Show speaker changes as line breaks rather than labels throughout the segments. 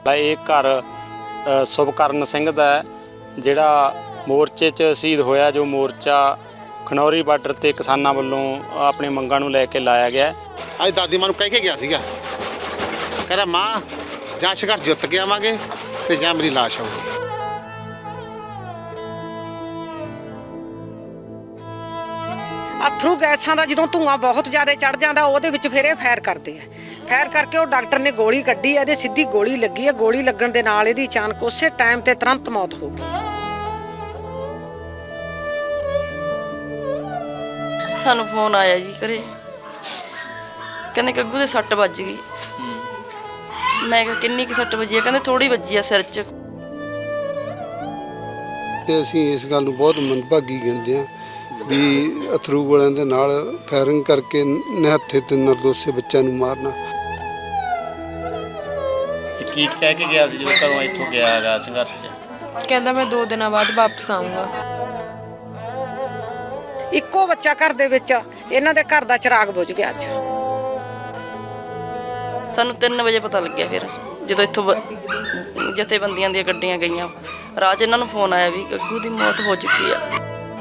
ਇਹ ਘਰ ਸੁਭਕਰਨ ਸਿੰਘ ਦਾ ਜਿਹੜਾ ਮੋਰਚੇ 'ਚ ਸ਼ਹੀਦ ਹੋਇਆ, ਜੋ ਮੋਰਚਾ ਖਨੌਰੀ ਬਾਰਡਰ ਤੇ ਕਿਸਾਨਾਂ ਵੱਲੋਂ ਆਪਣੀ ਮੰਗਾਂ ਨੂੰ ਲੈ ਕੇ ਲਾਇਆ ਗਿਆ।
ਅੱਜ ਦਾਦੀ ਮਾਂ ਨੂੰ ਕਹਿ ਕੇ ਗਿਆ ਸੀਗਾ, ਕਹਿੰਦਾ ਮਾਂ ਜਾਂ ਸੰਘਰਸ਼ ਜਿੱਤ ਕੇ ਆਵਾਂਗੇ ਤੇ ਜਾਂ ਮੇਰੀ ਲਾਸ਼ ਆਊਗੀ।
ਅਥਰੂ ਗੈਸਾਂ ਦਾ ਜਦੋਂ ਧੂਆਂ ਬਹੁਤ ਜ਼ਿਆਦਾ ਚੜ ਜਾਂਦਾ ਉਹਦੇ ਵਿੱਚ ਫਿਰ ਇਹ ਫਾਇਰ ਕਰਦੇ ਆ। ਫਾਇਰ ਕਰਕੇ ਉਹ ਡਾਕਟਰ ਨੇ ਗੋਲੀ ਕੱਢੀ, ਇਹਦੇ ਸਿੱਧੀ ਗੋਲੀ ਲੱਗੀ ਹੈ। ਗੋਲੀ ਲੱਗਣ ਦੇ ਨਾਲ ਇਹਦੀ ਅਚਾਨਕ ਉਸੇ ਟਾਈਮ ਤੇ ਤੁਰੰਤ ਮੌਤ ਹੋ ਗਈ।
ਸਾਨੂੰ ਫੋਨ ਆਇਆ ਜੀ ਘਰੇ, ਕਹਿੰਦੇ ਗੱਗੂ ਦੇ ਸੱਟ ਵੱਜ ਗਈ। ਮੈਂ ਕਿਹਾ ਕਿੰਨੀ ਕੁ ਸੱਟ ਵੱਜੀ ਹੈ? ਕਹਿੰਦੇ ਥੋੜੀ ਵੱਜੀ ਆ ਸਿਰ 'ਚ।
ਤੇ ਅਸੀਂ ਇਸ ਗੱਲ ਨੂੰ ਬਹੁਤ ਮੰਦਭਾਗੀ ਗਿਣਦੇ ਹਾਂ ਵੀ ਅਥਰੂ ਗੋਲਿਆਂ ਦੇ ਨਾਲ ਫਾਇਰਿੰਗ ਕਰਕੇ ਨਿਹੱਥੇ ਤੇ ਨਿਰਦੋਸ਼ੇ ਬੱਚਿਆਂ ਨੂੰ ਮਾਰਨਾ।
ਕੀ ਕਹਿ ਕੇ ਗਿਆ ਸੀ ਜਦੋਂ ਘਰੋਂ ਇੱਥੋਂ ਗਿਆ ਹੈਗਾ ਸੰਘਰਸ਼ 'ਚ?
ਕਹਿੰਦਾ ਮੈਂ 2 ਦਿਨਾਂ ਬਾਅਦ ਵਾਪਸ ਆਊਂਗਾ।
ਇੱਕੋ ਬੱਚਾ ਘਰ ਦੇ ਵਿੱਚ, ਇਹਨਾਂ ਦੇ ਘਰ ਦਾ ਚਿਰਾਗ ਬੁਝ ਗਿਆ ਅੱਜ।
ਸਾਨੂੰ 3 ਵਜੇ ਪਤਾ ਲੱਗਿਆ ਫਿਰ, ਜਦੋਂ ਇੱਥੋਂ ਜਥੇਬੰਦੀਆਂ ਦੀਆਂ ਗੱਡੀਆਂ ਗਈਆਂ। ਰਾਹ 'ਚ ਇਹਨਾਂ ਨੂੰ ਫੋਨ ਆਇਆ ਵੀ ਗੱਗੂ ਦੀ ਮੌਤ ਹੋ ਚੁੱਕੀ ਆ।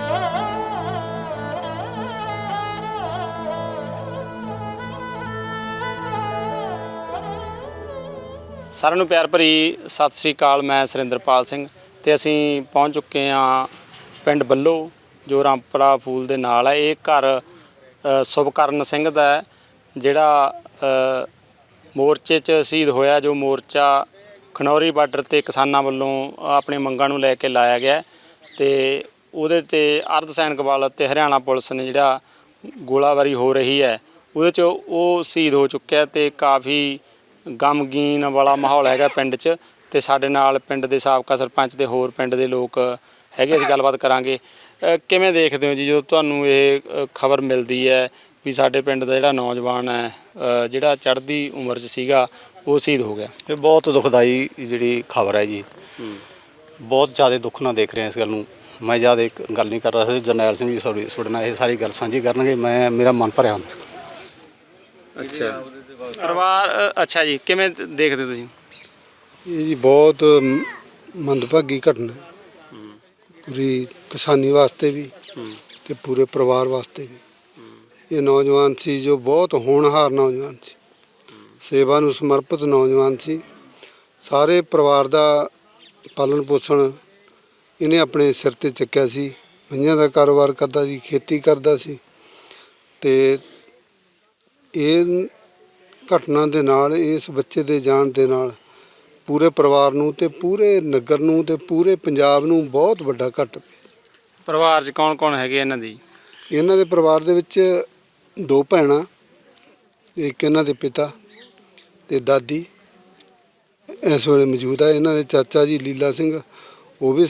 ਸਾਰਿਆਂ ਨੂੰ ਪਿਆਰ ਭਰੀ ਸਤਿ ਸ੍ਰੀ ਅਕਾਲ। ਮੈਂ ਸੁਰਿੰਦਰਪਾਲ ਸਿੰਘ ਤੇ ਅਸੀਂ ਪਹੁੰਚ ਚੁੱਕੇ ਹਾਂ ਪਿੰਡ ਬੱਲੋ, ਜੋ ਰਾਮਪੁਰਾ ਫੂਲ ਦੇ ਨਾਲ ਹੈ। ਇਹ ਘਰ ਸੁਭਕਰਨ ਸਿੰਘ ਦਾ ਜਿਹੜਾ ਮੋਰਚੇ 'ਚ ਸ਼ਹੀਦ ਹੋਇਆ, ਜੋ ਮੋਰਚਾ ਖਨੌਰੀ ਬਾਰਡਰ ਤੇ ਕਿਸਾਨਾਂ ਵੱਲੋਂ ਆਪਣੀ ਮੰਗਾਂ ਨੂੰ ਲੈ ਕੇ ਲਾਇਆ ਗਿਆ ਤੇ ਉਹਦੇ ਤੇ ਅਰਧ ਸੈਨਿਕ ਬਲ ਤੇ ਹਰਿਆਣਾ ਪੁਲਿਸ ਨੇ ਜਿਹੜਾ ਗੋਲਾਬਾਰੀ ਹੋ ਰਹੀ ਹੈ ਉਹਦੇ 'ਚ ਉਹ ਸ਼ਹੀਦ ਹੋ ਚੁੱਕਿਆ ਤੇ ਕਾਫੀ ਗਮਗੀਨ ਵਾਲਾ ਮਾਹੌਲ ਹੈਗਾ ਪਿੰਡ 'ਚ। ਤੇ ਸਾਡੇ ਨਾਲ ਪਿੰਡ ਦੇ ਸਾਬਕਾ ਸਰਪੰਚ ਤੇ ਹੋਰ ਪਿੰਡ ਦੇ ਲੋਕ ਹੈਗੇ, ਅਸੀਂ ਗੱਲਬਾਤ ਕਰਾਂਗੇ। ਕਿਵੇਂ ਦੇਖਦੇ ਹੋ ਜੀ ਜਦੋਂ ਤੁਹਾਨੂੰ ਇਹ ਖਬਰ ਮਿਲਦੀ ਹੈ ਵੀ ਸਾਡੇ ਪਿੰਡ ਦਾ ਜਿਹੜਾ ਨੌਜਵਾਨ ਹੈ, ਜਿਹੜਾ ਚੜ੍ਹਦੀ ਉਮਰ 'ਚ ਸੀਗਾ, ਉਹ ਸ਼ਹੀਦ ਹੋ ਗਿਆ?
ਇਹ ਬਹੁਤ ਦੁਖਦਾਈ ਜਿਹੜੀ ਖਬਰ ਹੈ ਜੀ। ਬਹੁਤ ਜ਼ਿਆਦਾ ਦੁੱਖ ਨਾਲ ਦੇਖ ਰਿਹਾ ਇਸ ਗੱਲ ਨੂੰ। ਮੈਂ ਜ਼ਿਆਦਾ ਇੱਕ ਗੱਲ ਨਹੀਂ ਕਰ ਰਿਹਾ ਸੀ, ਜਰਨੈਲ ਸਿੰਘ ਜੀ ਤੁਹਾਡੇ ਨਾਲ ਇਹ ਸਾਰੀ ਗੱਲ ਸਾਂਝੀ ਕਰਨਗੇ। ਮੇਰਾ ਮਨ ਭਰਿਆ ਹੁੰਦਾ।
ਅੱਛਾ ਪਰਿਵਾਰ, ਅੱਛਾ ਜੀ, ਕਿਵੇਂ ਦੇਖਦੇ ਤੁਸੀਂ?
ਇਹ ਜੀ ਬਹੁਤ ਮੰਦਭਾਗੀ ਘਟਨਾ ਪੂਰੀ ਕਿਸਾਨੀ ਵਾਸਤੇ ਵੀ ਤੇ ਪੂਰੇ ਪਰਿਵਾਰ ਵਾਸਤੇ ਵੀ। ਇਹ ਨੌਜਵਾਨ ਸੀ ਜੋ ਬਹੁਤ ਹੋਣਹਾਰ ਨੌਜਵਾਨ ਸੀ, ਸੇਵਾ ਨੂੰ ਸਮਰਪਿਤ ਨੌਜਵਾਨ ਸੀ। ਸਾਰੇ ਪਰਿਵਾਰ ਦਾ ਪਾਲਣ ਪੋਸ਼ਣ ਇਹਨੇ ਆਪਣੇ ਸਿਰ ਤੇ ਚੱਕਿਆ ਸੀ। ਮਈਆਂ ਦਾ ਕਾਰੋਬਾਰ ਕਰਦਾ ਸੀ, ਖੇਤੀ ਕਰਦਾ ਸੀ ਤੇ ਇਹ ਘਟਨਾ ਦੇ ਨਾਲ, ਇਸ ਬੱਚੇ ਦੇ ਜਾਣ ਦੇ ਨਾਲ ਪੂਰੇ ਪਰਿਵਾਰ ਨੂੰ ਤੇ ਪੂਰੇ ਨਗਰ ਨੂੰ ਤੇ ਪੂਰੇ ਪੰਜਾਬ ਨੂੰ ਬਹੁਤ ਵੱਡਾ ਘਾਟਾ ਪਿਆ।
ਪਰਿਵਾਰ 'ਚ ਕੌਣ ਕੌਣ ਹੈਗੇ ਇਹਨਾਂ ਦੀ?
ਇਹਨਾਂ ਦੇ ਪਰਿਵਾਰ ਦੇ ਵਿੱਚ 2 ਭੈਣਾਂ, ਇੱਕ ਇਹਨਾਂ ਦੇ ਪਿਤਾ ਤੇ ਦਾਦੀ ਇਸ ਵੇਲੇ ਮੌਜੂਦ ਹੈ। ਇਹਨਾਂ ਦੇ ਚਾਚਾ ਜੀ ਲੀਲਾ ਸਿੰਘ, ਉਹ ਵੀ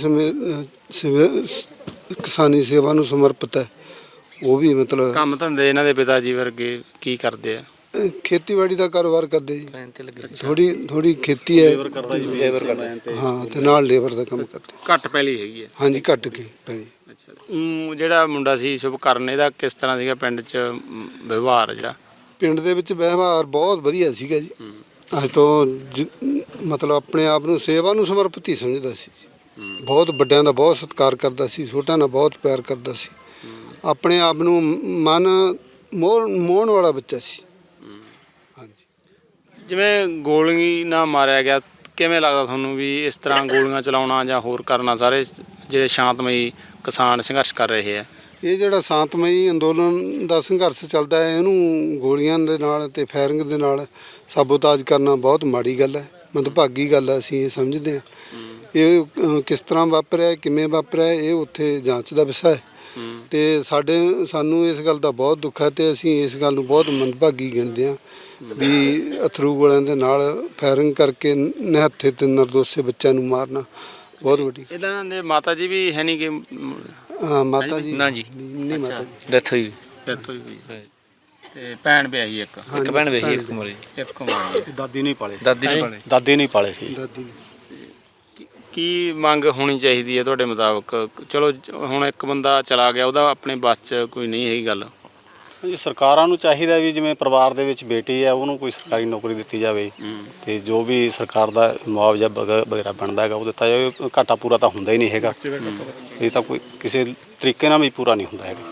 ਕਿਸਾਨੀ ਸੇਵਾ ਨੂੰ ਸਮਰਪਿਤ ਹੈ। ਉਹ ਵੀ ਮਤਲਬ
ਕੰਮ ਧੰਦੇ ਇਹਨਾਂ ਦੇ ਪਿਤਾ ਜੀ ਵਰਗੇ ਕੀ ਕਰਦੇ ਆ?
ਖੇਤੀਬਾੜੀ ਦਾ ਕਾਰੋਬਾਰ ਕਰਦੇ ਜੀ। ਥੋੜੀ ਖੇਤੀ ਹੈ, ਹਾਂ, ਤੇ ਨਾਲ ਲੇਬਰ ਦਾ ਕੰਮ ਕਰਦੇ।
ਘੱਟ ਪੈਲੀ ਹੈਗੀ ਹੈ? ਹਾਂਜੀ,
ਘੱਟ ਕੇ ਪੈਲੀ।
ਅੱਛਾ, ਜਿਹੜਾ ਮੁੰਡਾ ਸੀ ਸੁਭਕਰਨ, ਇਹਦਾ ਕਿਸ ਤਰ੍ਹਾਂ ਸੀਗਾ ਪਿੰਡ 'ਚ ਵਿਵਹਾਰ? ਜਿਹੜਾ
ਪਿੰਡ ਦੇ ਵਿੱਚ ਵਿਵਹਾਰ ਬਹੁਤ ਵਧੀਆ ਸੀਗਾ ਜੀ। ਅੱਜ ਤੋਂ ਮਤਲਬ ਆਪਣੇ ਆਪ ਨੂੰ ਸੇਵਾ ਨੂੰ ਸਮਰਪਿਤ ਹੀ ਸਮਝਦਾ ਸੀ। ਬਹੁਤ ਵੱਡਿਆਂ ਦਾ ਬਹੁਤ ਸਤਿਕਾਰ ਕਰਦਾ ਸੀ, ਛੋਟਿਆਂ ਨਾਲ ਬਹੁਤ ਪਿਆਰ ਕਰਦਾ ਸੀ। ਆਪਣੇ ਆਪ ਨੂੰ ਮਨ ਮੋਹਣ ਵਾਲਾ ਬੱਚਾ ਸੀ।
ਜਿਵੇਂ ਗੋਲੀ ਨਾਲ ਮਾਰਿਆ ਗਿਆ, ਕਿਵੇਂ ਲੱਗਦਾ ਤੁਹਾਨੂੰ ਵੀ ਇਸ ਤਰ੍ਹਾਂ ਗੋਲੀਆਂ ਚਲਾਉਣਾ ਜਾਂ ਹੋਰ ਕਰਨਾ ਸਾਰੇ ਜਿਹੜੇ ਸ਼ਾਂਤਮਈ ਕਿਸਾਨ ਸੰਘਰਸ਼ ਕਰ ਰਹੇ ਆ?
ਇਹ ਜਿਹੜਾ ਸ਼ਾਂਤਮਈ ਅੰਦੋਲਨ ਦਾ ਸੰਘਰਸ਼ ਚੱਲਦਾ ਹੈ, ਇਹਨੂੰ ਗੋਲੀਆਂ ਦੇ ਨਾਲ ਤੇ ਫਾਇਰਿੰਗ ਦੇ ਨਾਲ ਸਾਬੋਤਾਜ ਕਰਨਾ ਬਹੁਤ ਮਾੜੀ ਗੱਲ ਹੈ, ਮੰਦਭਾਗੀ ਗੱਲ ਹੈ। ਅਸੀਂ ਇਹ ਸਮਝਦੇ ਹਾਂ ਇਹ ਕਿਸ ਤਰ੍ਹਾਂ ਵਾਪਰਿਆ, ਕਿਵੇਂ ਵਾਪਰਿਆ, ਇਹ ਉੱਥੇ ਜਾਂਚ ਦਾ ਵਿਸ਼ਾ ਹੈ ਤੇ ਸਾਨੂੰ ਇਸ ਗੱਲ ਦਾ ਬਹੁਤ ਦੁੱਖ ਹੈ ਤੇ ਅਸੀਂ ਇਸ ਗੱਲ ਨੂੰ ਬਹੁਤ ਮੰਦਭਾਗੀ ਗਿਣਦੇ ਹਾਂ ਵੀ ਅਥਰੂ ਗੋਲਿਆਂ ਦੇ ਨਾਲ ਫਾਇਰਿੰਗ ਕਰਕੇ ਨਿਹੱਥੇ ਤੇ ਨਿਰਦੋਸ਼ੇ ਬੱਚਿਆਂ ਨੂੰ ਮਾਰਨਾ ਬਹੁਤ ਵੱਡੀ।
ਇਹਨਾਂ ਦੇ ਮਾਤਾ ਜੀ ਵੀ ਹੈ ਨਹੀਂ ਕਿ?
ਹਾਂ, ਮਾਤਾ ਜੀ
ਨਾ ਜੀ,
ਨਹੀਂ, ਮਾਤਾ ਜੀ
ਡੈਥ ਹੋਈ ਹੋਈ। ਤੇ ਭੈਣ ਵਿਆਹੀ ਇੱਕ
ਭੈਣ ਵਿਆਹੀ, ਇੱਕ ਕੁਮਾਰੀ। ਦਾਦੀ ਨਹੀਂ ਪਾਲੇ ਸੀ।
ਕੀ ਮੰਗ ਹੋਣੀ ਚਾਹੀਦੀ ਹੈ ਤੁਹਾਡੇ ਮੁਤਾਬਕ? ਚਲੋ ਹੁਣ ਇੱਕ ਬੰਦਾ ਚਲਾ ਗਿਆ, ਉਹਦਾ ਆਪਣੇ ਬਸ 'ਚ ਕੋਈ ਨਹੀਂ ਹੈਗੀ ਗੱਲ।
ਜੀ ਸਰਕਾਰਾਂ ਨੂੰ ਚਾਹੀਦਾ ਵੀ ਜਿਵੇਂ ਪਰਿਵਾਰ ਦੇ ਵਿੱਚ ਬੇਟੀ ਹੈ ਉਹਨੂੰ ਕੋਈ ਸਰਕਾਰੀ ਨੌਕਰੀ ਦਿੱਤੀ ਜਾਵੇ ਤੇ ਜੋ ਵੀ ਸਰਕਾਰ ਦਾ ਮੁਆਵਜ਼ਾ ਵਗੈਰਾ ਬਣਦਾ ਹੈਗਾ ਉਹ ਦਿੱਤਾ ਜਾਵੇ। ਘਾਟਾ ਪੂਰਾ ਤਾਂ ਹੁੰਦਾ ਹੀ ਨਹੀਂ ਹੈਗਾ, ਇਹ ਤਾਂ ਕੋਈ ਕਿਸੇ ਤਰੀਕੇ ਨਾਲ ਵੀ ਪੂਰਾ ਨਹੀਂ ਹੁੰਦਾ ਹੈਗਾ।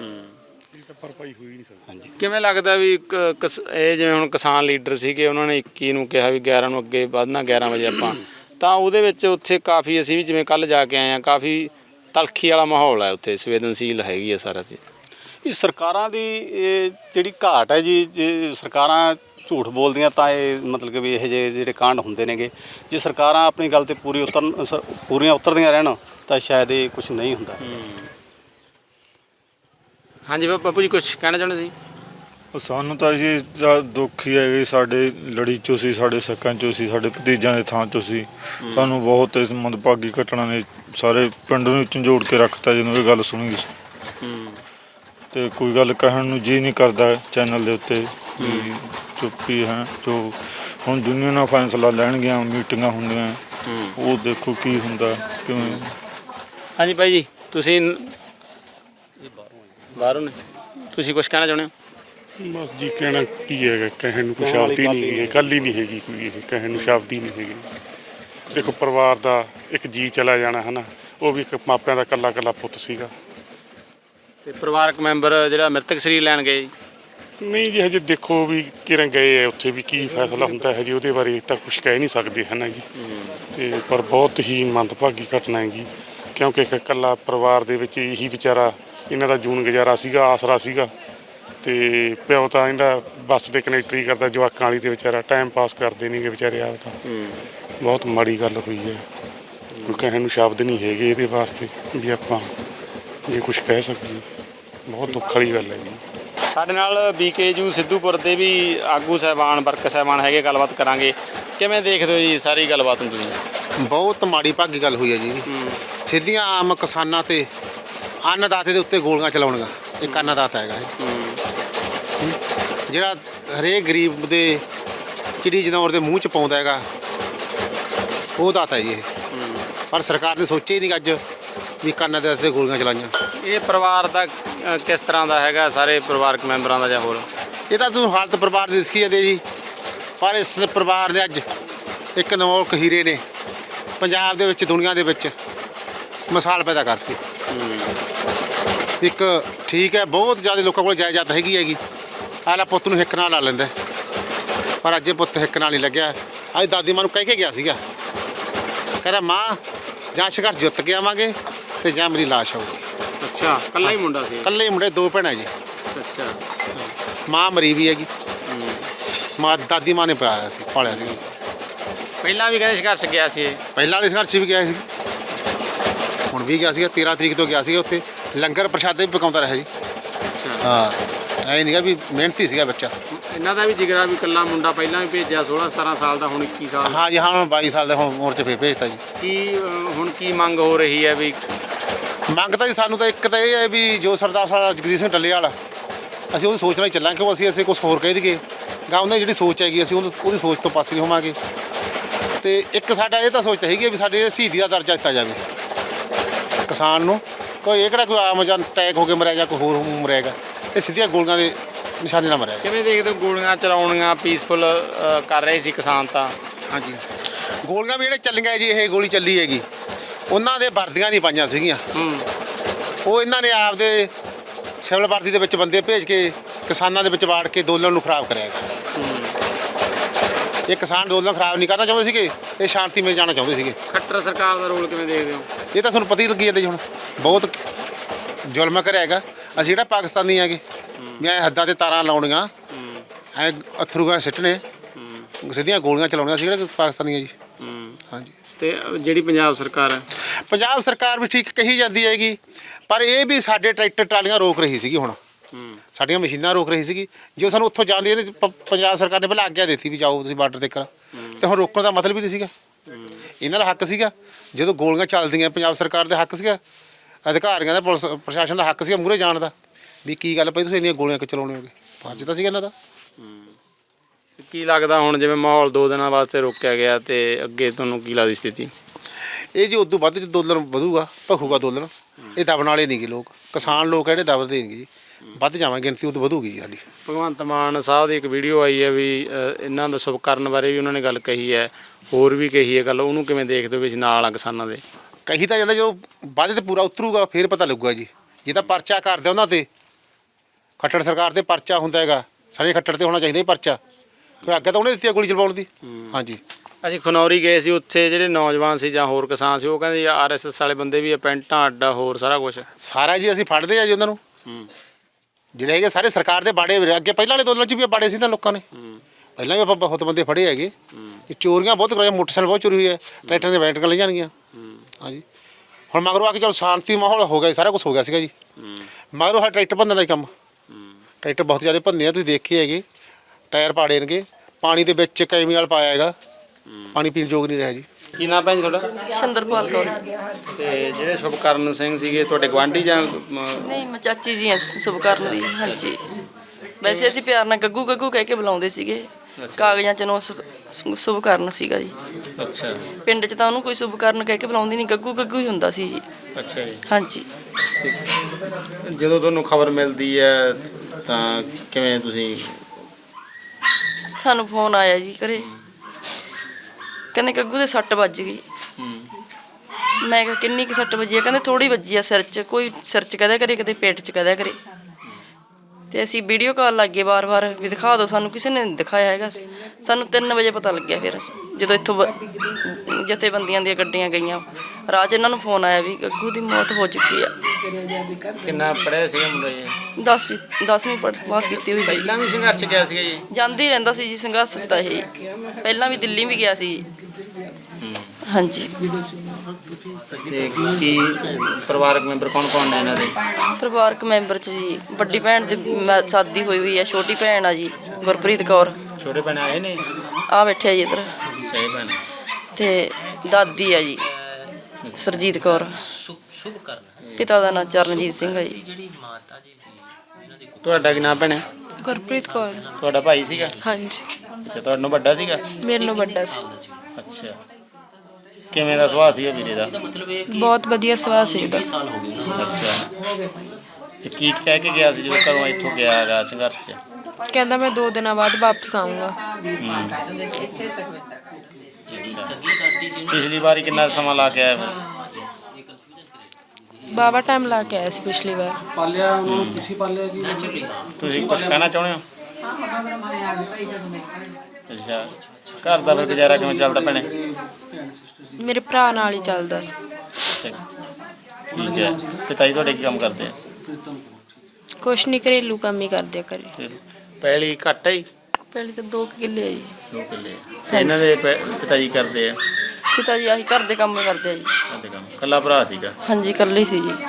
ਹਾਂਜੀ।
ਕਿਵੇਂ ਲੱਗਦਾ ਵੀ ਇਹ ਜਿਵੇਂ ਹੁਣ ਕਿਸਾਨ ਲੀਡਰ ਸੀਗੇ, ਉਹਨਾਂ ਨੇ 21 ਨੂੰ ਕਿਹਾ ਵੀ 11 ਨੂੰ ਅੱਗੇ ਵਧਣਾ, 11 ਵਜੇ ਆਪਾਂ, ਤਾਂ ਉਹਦੇ ਵਿੱਚ ਉੱਥੇ ਕਾਫੀ ਅਸੀਂ ਵੀ ਜਿਵੇਂ ਕੱਲ ਜਾ ਕੇ ਆਏ ਆ, ਕਾਫੀ ਤਲਖੀ ਵਾਲਾ ਮਾਹੌਲ ਹੈ ਉੱਥੇ, ਸੰਵੇਦਨਸ਼ੀਲ ਹੈਗੀ ਹੈ ਸਾਰਾ ਚੀਜ਼।
ਇਹ ਸਰਕਾਰਾਂ ਦੀ ਇਹ ਜਿਹੜੀ ਘਾਟ ਹੈ ਜੀ, ਜੇ ਸਰਕਾਰਾਂ ਝੂਠ ਬੋਲਦੀਆਂ ਤਾਂ ਇਹ ਮਤਲਬ ਕਿ ਵੀ ਇਹ ਜਿਹੇ ਜਿਹੜੇ ਕਾਂਡ ਹੁੰਦੇ ਨੇਗੇ। ਜੇ ਸਰਕਾਰਾਂ ਆਪਣੀ ਗੱਲ ਤੇ ਪੂਰੀਆਂ ਉਤਰਦੀਆਂ ਰਹਿਣ ਤਾਂ ਸ਼ਾਇਦ ਇਹ ਕੁਝ ਨਹੀਂ ਹੁੰਦਾ।
ਹਾਂਜੀ ਬਾਪੂ ਜੀ, ਕੁਝ ਕਹਿਣਾ ਚਾਹੁੰਦੇ ਸੀ?
ਸਾਨੂੰ ਤਾਂ ਜੀ ਦੁੱਖ ਹੀ ਹੈ ਵੀ ਸਾਡੇ ਲੜੀ 'ਚੋਂ ਸੀ, ਸਾਡੇ ਸੱਕਾਂ 'ਚੋਂ ਸੀ, ਸਾਡੇ ਭਤੀਜਿਆਂ ਦੇ ਥਾਂ 'ਚੋਂ ਸੀ। ਸਾਨੂੰ ਬਹੁਤ ਇਸ ਮੰਦਭਾਗੀ ਘਟਨਾ ਨੇ ਸਾਰੇ ਪਿੰਡ ਨੂੰ ਝੰਜੋੜ ਕੇ ਰੱਖਤਾ ਜਦੋਂ ਇਹ ਗੱਲ ਸੁਣੀ। ਤੇ ਕੋਈ ਗੱਲ ਕਹਿਣ ਨੂੰ ਜੀ ਨਹੀਂ ਕਰਦਾ ਚੈਨਲ ਦੇ ਉੱਤੇ, ਚੁੱਪੀ ਹੈ। ਜੋ ਹੁਣ ਯੂਨੀਅਨਾਂ ਫੈਸਲਾ ਲੈਣਗੀਆਂ, ਮੀਟਿੰਗਾਂ ਹੁੰਦੀਆਂ, ਉਹ ਦੇਖੋ ਕੀ ਹੁੰਦਾ ਕਿਵੇਂ।
ਹਾਂਜੀ ਭਾਈ ਜੀ, ਤੁਸੀਂ ਬਾਹਰੋਂ ਨੇ, ਤੁਸੀਂ ਕੁਝ ਕਹਿਣਾ ਚਾਹੁੰਦੇ ਹੋ?
ਬਸ ਜੀ ਕਹਿਣਾ ਕੀ ਹੈਗਾ, ਕਹਿਣ ਨੂੰ ਕੋਈ ਸ਼ਬਦ ਹੀ ਨਹੀਂ ਹੈ, ਗੱਲ ਹੀ ਨਹੀਂ ਹੈਗੀ ਕੋਈ, ਇਹ ਕਹਿਣ ਨੂੰ ਸ਼ਬਦ ਹੀ ਨਹੀਂ ਹੈਗੇ। ਦੇਖੋ ਪਰਿਵਾਰ ਦਾ ਇੱਕ ਜੀ ਚਲਾ ਜਾਣਾ ਹੈ ਨਾ, ਉਹ ਵੀ ਇੱਕ ਮਾਪਿਆਂ ਦਾ ਇਕੱਲਾ ਇਕੱਲਾ ਪੁੱਤ ਸੀਗਾ।
ਤੇ ਪਰਿਵਾਰਕ ਮੈਂਬਰ ਜਿਹੜਾ ਮ੍ਰਿਤਕ ਸਰੀਰ ਲੈਣ ਗਏ ਜੀ?
ਨਹੀਂ ਜੀ, ਹਜੇ ਦੇਖੋ ਵੀ ਕਿਰਨ ਗਏ ਆ ਉੱਥੇ ਵੀ ਕੀ ਫੈਸਲਾ ਹੁੰਦਾ ਹੈ ਜੀ, ਉਹਦੇ ਬਾਰੇ ਤਾਂ ਕੁਝ ਕਹਿ ਨਹੀਂ ਸਕਦੇ ਹੈ ਨਾ ਜੀ। ਤੇ ਪਰ ਬਹੁਤ ਹੀ ਮੰਦਭਾਗੀ ਘਟਨਾ ਹੈਗੀ, ਕਿਉਂਕਿ ਇੱਕ ਇਕੱਲਾ ਪਰਿਵਾਰ ਦੇ ਵਿੱਚ ਇਹੀ ਵਿਚਾਰਾ ਇਹਨਾਂ ਦਾ ਜੂਨ ਗੁਜ਼ਾਰਾ ਸੀਗਾ, ਆਸਰਾ ਸੀਗਾ। ਤੇ ਪਿਓ ਤਾਂ ਇਹਦਾ ਬੱਸ ਦੇ ਕਨੈਕਟਰੀ ਕਰਦਾ, ਜਵਾਕਾਂ ਵਾਲੀ ਤੇ ਵਿਚਾਰਾ ਟਾਈਮ ਪਾਸ ਕਰਦੇ ਨੇਗੇ ਵਿਚਾਰੇ ਆਪ ਤਾਂ। ਬਹੁਤ ਮਾੜੀ ਗੱਲ ਹੋਈ ਹੈ, ਕੋਈ ਕਹਿਣ ਨੂੰ ਸ਼ਬਦ ਨਹੀਂ ਹੈਗੇ ਇਹਦੇ ਵਾਸਤੇ ਵੀ ਆਪਾਂ ਜੇ ਕੁਝ ਕਹਿ ਸਕੀਏ। ਬਹੁਤ ਦੁੱਖ ਵਾਲੀ ਗੱਲ ਹੈ ਜੀ।
ਸਾਡੇ ਨਾਲ BKU ਸਿੱਧੂਪੁਰ ਦੇ ਵੀ ਆਗੂ ਸਾਹਿਬਾਨ, ਵਰਕਰ ਸਾਹਿਬਾਨ ਹੈਗੇ, ਗੱਲਬਾਤ ਕਰਾਂਗੇ। ਕਿਵੇਂ ਦੇਖਦੇ ਹੋ ਜੀ ਸਾਰੀ ਗੱਲਬਾਤ ਨੂੰ ਤੁਸੀਂ?
ਬਹੁਤ ਮਾੜੀ ਭਾਗੀ ਗੱਲ ਹੋਈ ਹੈ ਜੀ। ਸਿੱਧੀਆਂ ਆਮ ਕਿਸਾਨਾਂ ਤੇ ਅੰਨਦਾਤੇ ਦੇ ਉੱਤੇ ਗੋਲੀਆਂ ਚਲਾਉਣੀਆਂ, ਇੱਕ ਅੰਨਦਾਤਾ ਹੈਗਾ ਜਿਹੜਾ ਹਰੇਕ ਗਰੀਬ ਦੇ ਚਿੜੀ ਜਨੌਰ ਦੇ ਮੂੰਹ 'ਚ ਪਾਉਂਦਾ ਹੈਗਾ, ਉਹ ਦਾਤਾ ਜੀ ਇਹ। ਪਰ ਸਰਕਾਰ ਨੇ ਸੋਚਿਆ ਹੀ ਨਹੀਂ ਅੱਜ ਵੀ ਕੰਨਾਂ ਦੇ ਉੱਤੇ ਗੋਲੀਆਂ ਚਲਾਈਆਂ।
ਇਹ ਪਰਿਵਾਰ ਦਾ ਕਿਸ ਤਰ੍ਹਾਂ ਦਾ ਹੈਗਾ, ਸਾਰੇ ਪਰਿਵਾਰਕ ਮੈਂਬਰਾਂ ਦਾ ਜਾਂ ਹੋਰ?
ਇਹ ਤਾਂ ਤੁਹਾਨੂੰ ਹਾਲਤ ਪਰਿਵਾਰ ਦੀ ਦਿਸਕੀ ਜਾਂਦੀ ਜੀ, ਪਰ ਇਸ ਪਰਿਵਾਰ ਦੇ ਅੱਜ ਇੱਕ ਅਨਮੋਲਕ ਹੀਰੇ ਨੇ ਪੰਜਾਬ ਦੇ ਵਿੱਚ, ਦੁਨੀਆ ਦੇ ਵਿੱਚ ਮਿਸਾਲ ਪੈਦਾ ਕਰਤੀ। ਇੱਕ ਠੀਕ ਹੈ, ਬਹੁਤ ਜ਼ਿਆਦਾ ਲੋਕਾਂ ਕੋਲ ਜਾਇਦਾਦ ਹੈਗੀ ਆਲਾ ਪੁੱਤ ਨੂੰ ਹਿੱਕ ਨਾਲ ਲਾ ਲੈਂਦਾ, ਪਰ ਅੱਜ ਇਹ ਪੁੱਤ ਹਿੱਕ ਨਾਲ ਨਹੀਂ ਲੱਗਿਆ। ਅੱਜ ਦਾਦੀ ਮਾਂ ਨੂੰ ਕਹਿ ਕੇ ਗਿਆ ਸੀਗਾ, ਕਹਿੰਦਾ ਮਾਂ ਜਾਂ ਸੰਘਰਸ਼ ਜਿੱਤ ਕੇ ਆਵਾਂਗੇ ਤੇ ਜਾਂ ਮੇਰੀ ਲਾਸ਼ ਆਊਗੀ।
ਅੱਛਾ, ਇਕੱਲਾ ਹੀ ਮੁੰਡਾ ਸੀ?
ਇਕੱਲੇ ਹੀ ਮੁੰਡੇ, 2 ਭੈਣਾਂ ਜੀ।
ਅੱਛਾ।
ਮਾਂ ਮਰੀ ਵੀ ਹੈਗੀ, ਦਾਦੀ ਮਾਂ ਨੇ ਪਾਲਿਆ ਸੀ।
ਪਹਿਲਾਂ ਵੀ ਕਹਿੰਦੇ ਸੰਘਰਸ਼ ਗਿਆ ਸੀ ਇਹ?
ਪਹਿਲਾਂ ਵਾਲੇ ਸੰਘਰਸ਼ ਵੀ ਗਿਆ ਸੀ, ਹੁਣ ਵੀ ਗਿਆ ਸੀਗਾ। 13 ਤਰੀਕ ਤੋਂ ਗਿਆ ਸੀਗਾ, ਉੱਥੇ ਲੰਗਰ ਪ੍ਰਸ਼ਾਦੇ ਵੀ ਪਕਾਉਂਦਾ ਰਿਹਾ ਜੀ। ਹਾਂ, ਐ ਨਹੀਂਗਾ ਵੀ ਮਿਹਨਤੀ ਸੀਗਾ ਬੱਚਾ।
ਇਹਨਾਂ ਦਾ ਵੀ ਜਿਗਰਾ ਵੀ ਇਕੱਲਾ ਮੁੰਡਾ ਪਹਿਲਾਂ ਵੀ ਭੇਜਿਆ, 16-17 ਸਾਲ ਦਾ, ਹੁਣ 21 ਸਾਲ।
ਹਾਂ ਜੀ, ਹਾਂ 22 ਸਾਲ ਦਾ ਹੁਣ ਉਮਰ 'ਚ ਫੇਰ ਭੇਜਤਾ ਜੀ।
ਹੁਣ ਕੀ ਮੰਗ ਹੋ ਰਹੀ ਹੈ ਵੀ?
ਮੰਗ ਤਾਂ ਜੀ ਸਾਨੂੰ ਤਾਂ ਇੱਕ ਤਾਂ ਇਹ ਹੈ ਵੀ ਜੋ ਸਰਦਾਰ ਸਾਹਿਬ ਜਗਦੀਸ਼ ਸਿੰਘ ਟੱਲੇਵਾਲ, ਅਸੀਂ ਉਹਦੀ ਸੋਚ ਨਾਲ ਹੀ ਚੱਲਾਂਗੇ। ਕਿਉਂ ਅਸੀਂ ਕੁਝ ਹੋਰ ਕਹਿ ਦਈਏ ਗਾਉਂ ਦੀ ਜਿਹੜੀ ਸੋਚ ਹੈਗੀ, ਅਸੀਂ ਉਹਦੀ ਸੋਚ ਤੋਂ ਪਾਸੇ ਨਹੀਂ ਹੋਵਾਂਗੇ। ਤੇ ਇੱਕ ਸਾਡਾ ਇਹ ਤਾਂ ਸੋਚ ਹੈਗੀ ਹੈ ਵੀ ਸਾਡੇ ਸ਼ਹੀਦੀ ਦਾ ਦਰਜਾ ਦਿੱਤਾ ਜਾਵੇ ਕਿਸਾਨ ਨੂੰ। ਕੋਈ ਇਹ ਕਿਹੜਾ ਕੋਈ ਆਮ ਜਾਂ ਅਟੈਕ ਹੋ ਕੇ ਮਰਿਆ ਜਾਂ ਕੋਈ ਹੋਰ ਮਰਿਆਗਾ, ਇਹ ਸਿੱਧੀਆਂ ਗੋਲੀਆਂ ਦੇ ਨਿਸ਼ਾਨੇ ਨਾਲ ਮਰਿਆ।
ਕਿਵੇਂ ਦੇਖਦੇ ਹੋ ਗੋਲੀਆਂ ਚਲਾਉਣੀਆਂ ਪੀਸਫੁਲ ਕਰ ਰਹੇ ਸੀ ਕਿਸਾਨ ਤਾਂ?
ਹਾਂਜੀ, ਗੋਲੀਆਂ ਵੀ ਜਿਹੜੇ ਚੱਲੀਆਂ ਜੀ, ਇਹ ਗੋਲੀ ਚੱਲੀ ਹੈਗੀ, ਉਹਨਾਂ ਦੇ ਵਰਦੀਆਂ ਨਹੀਂ ਪਾਈਆਂ ਸੀਗੀਆਂ। ਉਹ ਇਹਨਾਂ ਨੇ ਆਪਦੇ ਸਿਵਲ ਵਰਦੀ ਦੇ ਵਿੱਚ ਬੰਦੇ ਭੇਜ ਕੇ ਕਿਸਾਨਾਂ ਦੇ ਵਿੱਚ ਵਾੜ ਕੇ ਅੰਦੋਲਨ ਨੂੰ ਖਰਾਬ ਕਰਿਆ ਹੈਗਾ। ਇਹ ਕਿਸਾਨ ਅੰਦੋਲਨ ਖਰਾਬ ਨਹੀਂ ਕਰਨਾ ਚਾਹੁੰਦੇ ਸੀਗੇ, ਇਹ ਸ਼ਾਂਤੀ ਮਿਲ ਜਾਣਾ ਚਾਹੁੰਦੇ ਸੀਗੇ।
ਖੱਟਰ ਸਰਕਾਰ ਦਾ ਰੋਲ ਕਿਵੇਂ ਦੇਖਦੇ ਹੋ?
ਇਹ ਤਾਂ ਤੁਹਾਨੂੰ ਪਤਾ ਹੀ ਲੱਗੀ ਜਾਂਦਾ ਜੀ, ਹੁਣ ਬਹੁਤ ਜ਼ੁਲਮ ਕਰਿਆ ਹੈਗਾ। ਅਸੀਂ ਜਿਹੜਾ ਪਾਕਿਸਤਾਨੀ ਹੈਗੇ ਵੀ ਐਂ ਹੱਦਾਂ ਤੇ ਤਾਰਾਂ ਲਾਉਣੀਆਂ, ਐਂ ਅਥਰੂਆਂ ਸਿੱਟਣੇ, ਸਿੱਧੀਆਂ ਗੋਲੀਆਂ ਚਲਾਉਣੀਆਂ ਸੀ ਜਿਹੜੇ ਪਾਕਿਸਤਾਨੀਆਂ ਜੀ। ਹਾਂਜੀ।
ਤੇ ਜਿਹੜੀ ਪੰਜਾਬ ਸਰਕਾਰ ਹੈ?
ਪੰਜਾਬ ਸਰਕਾਰ ਵੀ ਠੀਕ ਕਹੀ ਜਾਂਦੀ ਹੈਗੀ, ਪਰ ਇਹ ਵੀ ਸਾਡੇ ਟਰੈਕਟਰ ਟਰਾਲੀਆਂ ਰੋਕ ਰਹੀ ਸੀਗੀ, ਹੁਣ ਸਾਡੀਆਂ ਮਸ਼ੀਨਾਂ ਰੋਕ ਰਹੀ ਸੀਗੀ। ਜੋ ਸਾਨੂੰ ਉੱਥੋਂ ਜਾਣ ਦੀ ਪੰਜਾਬ ਸਰਕਾਰ ਨੇ ਪਹਿਲਾਂ ਆਗਿਆ ਦਿੱਤੀ ਵੀ ਜਾਓ ਤੁਸੀਂ ਬਾਰਡਰ ਤੇ ਕਰ, ਤੇ ਹੁਣ ਰੋਕਣ ਦਾ ਮਤਲਬ ਹੀ ਨਹੀਂ ਸੀਗਾ। ਇਹਨਾਂ ਦਾ ਹੱਕ ਸੀਗਾ, ਜਦੋਂ ਗੋਲੀਆਂ ਚੱਲਦੀਆਂ ਪੰਜਾਬ ਸਰਕਾਰ ਦਾ ਹੱਕ ਸੀਗਾ, ਅਧਿਕਾਰੀਆਂ ਦਾ, ਪੁਲਿਸ ਪ੍ਰਸ਼ਾਸਨ ਦਾ ਹੱਕ ਸੀਗਾ ਮੂਹਰੇ ਜਾਣ ਦਾ, ਵੀ ਕੀ ਗੱਲ ਪਈ ਤੁਸੀਂ ਇੰਨੀਆਂ ਗੋਲੀਆਂ ਕਿਉਂ ਚਲਾਉਣੇ ਹੋਗੇ, ਫਰਜ਼ ਤਾਂ ਸੀਗਾ ਇਹਨਾਂ ਦਾ।
ਕੀ ਲੱਗਦਾ ਹੁਣ ਜਿਵੇਂ ਮਾਹੌਲ 2 ਦਿਨਾਂ ਵਾਸਤੇ ਰੋਕਿਆ ਗਿਆ, ਤੇ ਅੱਗੇ ਤੁਹਾਨੂੰ ਕੀ ਲੱਗਦੀ ਸਥਿਤੀ?
ਇਹ ਜੀ ਉਦੋਂ ਵੱਧ ਅੰਦੋਲਨ ਵਧੂਗਾ, ਭਖੂਗਾ ਅੰਦੋਲਨ। ਇਹ ਦਬਣ ਵਾਲੇ ਨਹੀਂ ਗੇ ਲੋਕ, ਕਿਸਾਨ ਲੋਕ ਜਿਹੜੇ ਦਬਦੇ ਨਹੀਂ ਜੀ। ਵੱਧ ਜਾਵਾਂਗੇ, ਗਿਣਤੀ ਉਦੋਂ ਵਧੂਗੀ ਜੀ ਸਾਡੀ।
ਭਗਵੰਤ ਮਾਨ ਸਾਹਿਬ ਦੀ ਇੱਕ ਵੀਡੀਓ ਆਈ ਹੈ ਵੀ ਇਹਨਾਂ ਦਾ ਸ਼ੁਭ ਕਰਨ ਬਾਰੇ ਵੀ ਉਹਨਾਂ ਨੇ ਗੱਲ ਕਹੀ ਹੈ, ਹੋਰ ਵੀ ਕਹੀ ਹੈ ਗੱਲ, ਉਹਨੂੰ ਕਿਵੇਂ ਦੇਖਦੇ ਹੋ ਵੀ ਅਸੀਂ ਨਾਲ ਆ ਕਿਸਾਨਾਂ ਦੇ?
ਕਹੀ ਤਾਂ ਜਾਂਦਾ ਜਦੋਂ ਵੱਧ ਤੇ ਪੂਰਾ ਉਤਰੂਗਾ ਫਿਰ ਪਤਾ ਲੱਗੂਗਾ ਜੀ। ਜੇ ਤਾਂ ਪਰਚਾ ਕਰਦੇ ਉਹਨਾਂ ਤੇ, ਖੱਟੜ ਸਰਕਾਰ ਤੇ ਪਰਚਾ ਹੁੰਦਾ ਹੈਗਾ, ਸਾਰੇ ਖੱਟੜ ਤੇ ਹੋਣਾ ਚਾਹੀਦਾ ਹੀ ਪਰਚਾ, ਕੋਈ ਅੱਗੇ ਤਾਂ ਉਹਨੇ ਦਿੱਤੀ ਗੋਲੀ ਚਲਵਾਉਣ ਦੀ। ਹਾਂਜੀ
ਅਸੀਂ ਖਨੌਰੀ ਗਏ ਸੀ, ਉੱਥੇ ਜਿਹੜੇ ਨੌਜਵਾਨ ਸੀ ਜਾਂ ਹੋਰ ਕਿਸਾਨ ਸੀ ਉਹ ਕਹਿੰਦੇ RSS ਵਾਲੇ ਬੰਦੇ ਵੀ ਆ, ਪੈਂਟਾਂ ਅੱਡਾ ਹੋਰ ਸਾਰਾ ਕੁਝ
ਸਾਰਾ ਜੀ ਅਸੀਂ ਫੜਦੇ ਆ ਜੀ ਉਹਨਾਂ ਨੂੰ। ਜਿਹੜੇ ਹੈਗੇ ਸਾਰੇ ਸਰਕਾਰ ਦੇ ਬਾੜੇ ਅੱਗੇ ਪਹਿਲਾਂ ਵਾਲੇ ਦੋਨਾਂ 'ਚ ਵੀ ਬਾੜੇ ਸੀ ਤਾਂ ਲੋਕਾਂ ਨੇ, ਪਹਿਲਾਂ ਵੀ ਆਪਾਂ ਬਹੁਤ ਬੰਦੇ ਫੜੇ ਹੈਗੇ। ਇਹ ਚੋਰੀਆਂ ਬਹੁਤ ਕਰਾਈਆਂ, ਮੋਟਰਸਾਈਕਲ ਬਹੁਤ ਚੋਰੀ ਹੋਈ ਹੈ, ਟਰੈਕਟਰਾਂ ਦੀਆਂ ਬੈਟਰੀਆਂ ਲੈ ਜਾਣਗੀਆਂ। ਹਾਂਜੀ ਹੁਣ ਮਗਰੋਂ ਆ ਕੇ ਚਲ ਸ਼ਾਂਤੀ ਮਾਹੌਲ ਹੋ ਗਿਆ, ਸਾਰਾ ਕੁਝ ਹੋ ਗਿਆ ਸੀਗਾ ਜੀ। ਮਗਰੋਂ ਹਾਂ ਟਰੈਕਟਰ ਭੰਨਣ ਦਾ ਹੀ ਕੰਮ, ਟਰੈਕਟਰ ਬਹੁਤ ਜ਼ਿਆਦਾ ਭੰਨੇ ਆ, ਤੁਸੀਂ ਦੇਖੇ ਹੈਗੇ, ਟਾਇਰ ਪਾੜੇ ਨੇਗੇ, ਪਾਣੀ ਦੇ ਵਿੱਚ ਕੈਮੀਕਲ ਪਾਇਆ ਹੈਗਾ, ਪਾਣੀ ਪੀਣ ਯੋਗ ਨਹੀਂ ਰਿਹਾ ਜੀ।
ਕੀ ਨਾਮ ਭੈਣ ਜੀ ਤੁਹਾਡਾ?
ਸ਼ਿੰਦਰਪਾਲ ਕੌਰ।
ਤੇ ਜਿਹੜੇ ਸ਼ੁਭਕਰਨ ਸਿੰਘ ਸੀਗੇ ਤੁਹਾਡੇ ਗੁਆਂਢੀ ਜਾਂ
ਨਹੀਂ, ਮੈਂ ਚਾਚੀ ਜੀ ਹਾਂ ਸ਼ੁਭਕਰਨ ਦੀ। ਹਾਂਜੀ, ਵੈਸੇ ਅਸੀਂ ਪਿਆਰ ਨਾਲ ਗੱਗੂ ਗੱਗੂ ਕਹਿ ਕੇ ਬੁਲਾਉਂਦੇ ਸੀਗੇ, ਕਾਗਜ਼ਾਂ 'ਚ ਨੋ ਸ਼ੁਭਕਰਨ ਸੀਗਾ ਜੀ।
ਅੱਛਾ,
ਪਿੰਡ 'ਚ ਤਾਂ ਉਹਨੂੰ ਕੋਈ ਸ਼ੁਭਕਰਨ ਕਹਿ ਕੇ ਬੁਲਾਉਂਦੀ ਨਹੀਂ, ਗੱਗੂ ਗੱਗੂ ਹੀ ਹੁੰਦਾ ਸੀ ਜੀ।
ਅੱਛਾ ਜੀ।
ਹਾਂਜੀ,
ਜਦੋਂ ਤੁਹਾਨੂੰ ਖਬਰ ਮਿਲਦੀ ਹੈ ਤਾਂ ਕਿਵੇਂ ਤੁਸੀਂ?
ਸਾਨੂੰ ਫੋਨ ਆਇਆ ਜੀ ਘਰੇ, ਕਹਿੰਦੇ ਗੱਗੂ ਦੇ ਸੱਟ ਵੱਜ ਗਈ। ਮੈਂ ਕਿਹਾ ਕਿੰਨੀ ਕੁ ਸੱਟ ਵੱਜੀ ਆ? ਕਹਿੰਦੇ ਥੋੜੀ ਵੱਜੀ ਆ ਸਿਰ 'ਚ, ਕੋਈ ਸਿਰ 'ਚ ਕਹਦਾ ਕਰੇ, ਕਦੇ ਪੇਟ 'ਚ ਕਹਦਾ ਕਰੇ। ਤੇ ਅਸੀਂ ਵੀਡੀਓ ਕਾਲ ਲੱਗੇ ਵਾਰ-ਵਾਰ ਵੀ ਦਿਖਾ ਦਿਓ ਸਾਨੂੰ, ਕਿਸੇ ਨੇ ਨਹੀਂ ਦਿਖਾਇਆ ਹੈਗਾ। ਸਾਨੂੰ 3 ਵਜੇ ਪਤਾ ਲੱਗਿਆ ਫਿਰ, ਜਦੋਂ ਇੱਥੋਂ ਜਥੇਬੰਦੀਆਂ ਦੀਆਂ ਗੱਡੀਆਂ ਗਈਆਂ, ਰਾਹ 'ਚ ਇਹਨਾਂ ਨੂੰ ਫੋਨ ਆਇਆ ਵੀ ਗੱਗੂ ਦੀ ਮੌਤ ਹੋ ਚੁੱਕੀ ਆ।
ਕਿੰਨਾ ਪੜ੍ਹਿਆ ਸੀਗਾ ਮੁੰਡਾ ਜੀ?
10ਵੀਂ ਪਾਸ ਕੀਤੀ ਹੋਈ ਸੀ।
ਪਹਿਲਾਂ ਵੀ ਸੰਘਰਸ਼ ਗਿਆ ਸੀਗਾ ਜੀ?
ਜਾਂਦੇ ਹੀ ਰਹਿੰਦਾ ਸੀ ਜੀ ਸੰਘਰਸ਼ 'ਚ ਤਾਂ ਇਹ, ਪਹਿਲਾਂ ਵੀ ਦਿੱਲੀ ਵੀ ਗਿਆ ਸੀ। ਹਾਂਜੀ।
ਤੇ ਕੀ ਪਰਿਵਾਰਕ ਮੈਂਬਰ ਕੌਣ ਨੇ ਇਹਨਾਂ ਦੇ?
ਪਰਿਵਾਰਕ ਮੈਂਬਰ 'ਚ ਜੀ ਵੱਡੀ ਭੈਣ ਦੀ ਸ਼ਾਦੀ ਹੋਈ ਹੈ, ਛੋਟੀ ਭੈਣ ਆ ਜੀ ਗੁਰਪ੍ਰੀਤ ਕੌਰ।
ਛੋਟੇ ਭੈਣ ਆਏ ਨੇ?
ਆ ਬੈਠਿਆ ਜੀ ਇੱਧਰ।
ਸਹੀ ਭੈਣ।
ਤੇ ਦਾਦੀ ਆ ਜੀ ਸਰਜੀਤ ਕੌਰ, ਪਿਤਾ ਦਾ ਨਾਂ ਚਰਨਜੀਤ ਸਿੰਘ ਹੈ ਜੀ।
ਤੁਹਾਡਾ ਕੀ ਨਾਮ ਭੈਣੇ?
ਗੁਰਪ੍ਰੀਤ ਕੌਰ।
ਤੁਹਾਡਾ ਭਾਈ ਸੀਗਾ?
ਹਾਂਜੀ,
ਅੱਛਾ, ਤੁਹਾਡੇ ਵੱਡਾ ਸੀਗਾ?
ਮੇਰੇ ਨਾਲੋਂ ਵੱਡਾ ਸੀ।
ਅੱਛਾ, ਕਿਵੇਂ ਦਾ ਸੁਭਾਅ ਸੀ ਵੀਰੇ ਦਾ?
ਬਹੁਤ ਵਧੀਆ ਸੁਭਾਅ ਸੀ ਉਹਦਾ।
ਅੱਛਾ, ਤੇ ਕੀ ਕਹਿ ਕੇ ਗਿਆ ਸੀ ਜਦੋਂ ਘਰੋਂ ਇੱਥੋਂ ਗਿਆ ਹੈਗਾ ਸੰਘਰਸ਼ 'ਚ?
ਕਹਿੰਦਾ ਮੈਂ 2 ਦਿਨਾਂ ਬਾਅਦ ਵਾਪਸ ਆਊਂਗਾ।
ਪਿਛਲੀ ਵਾਰੀ ਕਿੰਨਾ ਸਮਾਂ ਲਾ ਕੇ ਆਇਆ ਫਿਰ?
ਬਾਵਾ ਟਾਈਮ ਲਾ ਕੇ ਆਇਆ ਸੀ ਪਿਛਲੀ ਵਾਰ।
ਪਾਲਿਆ ਉਹਨੂੰ, ਤੁਸੀਂ ਪਾਲਿਆ ਕੀ? ਤੁਸੀਂ ਕੁਝ ਕਹਿਣਾ ਚਾਹੁੰਦੇ ਹੋ? ਅੱਛਾ, ਘਰ ਦਾ ਫਿਰ ਗੁਜ਼ਾਰਾ ਕਿਵੇਂ ਚੱਲਦਾ ਭੈਣੇ?
ਮੇਰੇ ਭਰਾ ਨਾਲ ਹੀ ਚੱਲਦਾ ਸੀ।
ਠੀਕ ਹੈ। ਪਿਤਾ ਜੀ ਤੁਹਾਡੇ ਕੀ ਕੰਮ ਕਰਦੇ ਆ?
ਕੁਛ ਨਹੀਂ, ਘਰੇਲੂ ਕੰਮ ਹੀ ਕਰਦੇ ਆ ਘਰੇ।
ਪਹਿਲੀ ਘੱਟ ਹੈ ਜੀ?
ਪਹਿਲੇ ਤਾਂ 2 ਕਿੱਲੇ ਆ ਜੀ।
2 ਕਿੱਲੇ। ਤੇ ਇਹਨਾਂ ਦੇ ਪਿਤਾ ਜੀ ਕਰਦੇ ਆ?
ਪਿਤਾ ਜੀ ਆਹੀ ਘਰ ਦੇ ਕੰਮ ਕਰਦੇ ਆ ਜੀ।
ਘਰ ਦੇ ਕੰਮ। ਇਕੱਲਾ ਭਰਾ ਸੀਗਾ?
ਹਾਂਜੀ, ਇਕੱਲੇ ਸੀ ਜੀ।